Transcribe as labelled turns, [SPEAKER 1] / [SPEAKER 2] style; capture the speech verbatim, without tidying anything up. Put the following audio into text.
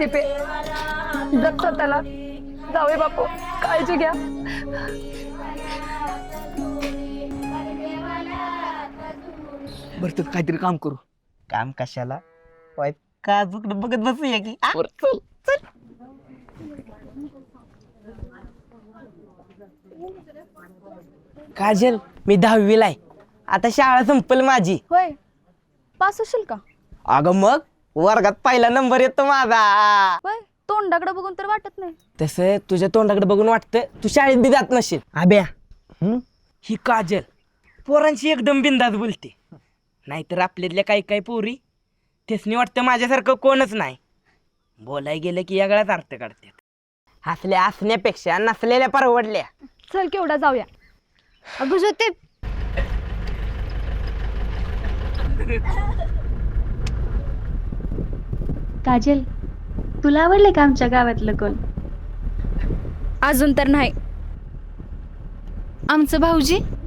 [SPEAKER 1] दीपे, जप स्वतःला. जाऊया बापू, काळजी घ्या.
[SPEAKER 2] बरं तर काहीतरी काम करू.
[SPEAKER 3] काम कशाला? का बघत बसूया की आ?
[SPEAKER 2] चल चल.
[SPEAKER 3] काजल, मी दहावीला आहे. आता शाळा संपल माझी.
[SPEAKER 1] होय, पास होशील का?
[SPEAKER 3] अगं मग वर्गात पहिला नंबर येतो माझा.
[SPEAKER 1] होय, तोंडाकडे बघून तर वाटत नाही.
[SPEAKER 3] तसं तुझ्या तोंडाकडे बघून वाटतं तू शाळेत बी जात नसेल. आब्या, ही काजल पोरांशी एकदम बिंदास बोलते. नाहीतर आपल्यातल्या काही काही पोरी त्यासनी वाटतं माझ्यासारखं कोणच नाही. बोलाय गेलं की वेगळाच अर्थ काढतात. हसल्या हसण्यापेक्षा नसलेल्या परवडल्या.
[SPEAKER 1] चल केवढा जाऊया.
[SPEAKER 4] अगं ज्योती, काजल, तुला आवडले का आमच्या गावातलं कोण?
[SPEAKER 1] अजून तर नाही.
[SPEAKER 4] आमचं भाऊजी